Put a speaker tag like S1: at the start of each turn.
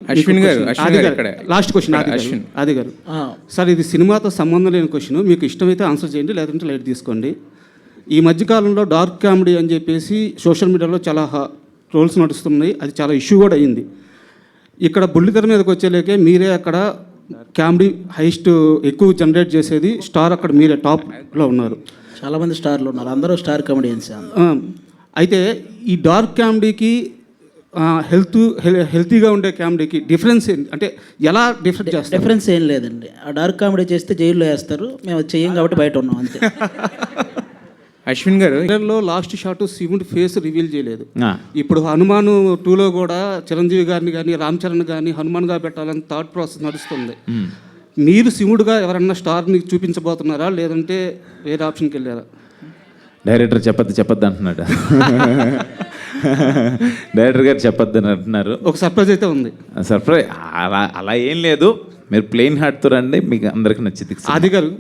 S1: అశ్విన్ గారు
S2: last question ఆది గారు సార్, ఇది సినిమాతో సంబంధం లేని క్వశ్చన్. మీకు ఇష్టమైతే ఆన్సర్ చేయండి, లేదంటే లైట్ తీసుకోండి. ఈ మధ్యకాలంలో డార్క్ కామెడీ అని చెప్పేసి సోషల్ మీడియాలో చాలా ట్రోల్స్ నడుస్తున్నాయి. అది చాలా ఇష్యూ కూడా అయ్యింది. ఇక్కడ బుల్లితెర మీదకి వచ్చేలేకే మీరే అక్కడ కామెడీ హైస్ట్ ఎక్కువ జనరేట్ చేసేది స్టార్, అక్కడ మీరే టాప్లో ఉన్నారు.
S3: చాలామంది స్టార్లు ఉన్నారు, అందరూ స్టార్ కామెడియన్స్.
S2: అయితే ఈ డార్క్ కామెడీకి హెల్తీగా ఉండే కామెడీకి డిఫరెన్స్ ఏంటి? అంటే ఎలా
S3: డిఫరెన్స్ ఏం లేదండి. ఆ డార్క్ కామెడీ చేస్తే జైల్లో వేస్తారు, మేము చెయ్యం కాబట్టి బయట ఉన్నాం అంతే.
S1: అశ్విన్ గారు
S2: లాస్ట్ షాట్ శివుడి ఫేస్ రివీల్ చేయలేదు. ఇప్పుడు హనుమాన్ 2లో కూడా చిరంజీవి గారిని కానీ రామ్ చరణ్ కానీ హనుమాన్గా పెట్టాలని థాట్ ప్రాసెస్ నడుస్తుంది. మీరు శివుడుగా ఎవరన్నా స్టార్ని చూపించబోతున్నారా, లేదంటే వేరే ఆప్షన్కి వెళ్ళారా?
S4: డైరెక్టర్ చెప్పద్దు అంటున్నాడు. డైరెక్టర్ గారు చెప్పొద్దు అని అంటున్నారు.
S2: ఒక సర్ప్రైజ్ అయితే ఉంది.
S4: సర్ప్రైజ్ అలా ఏం లేదు, మీరు ప్లెయిన్ హార్ట్తో రండి, మీకు అందరికి నచ్చింది.
S2: ఆది గారు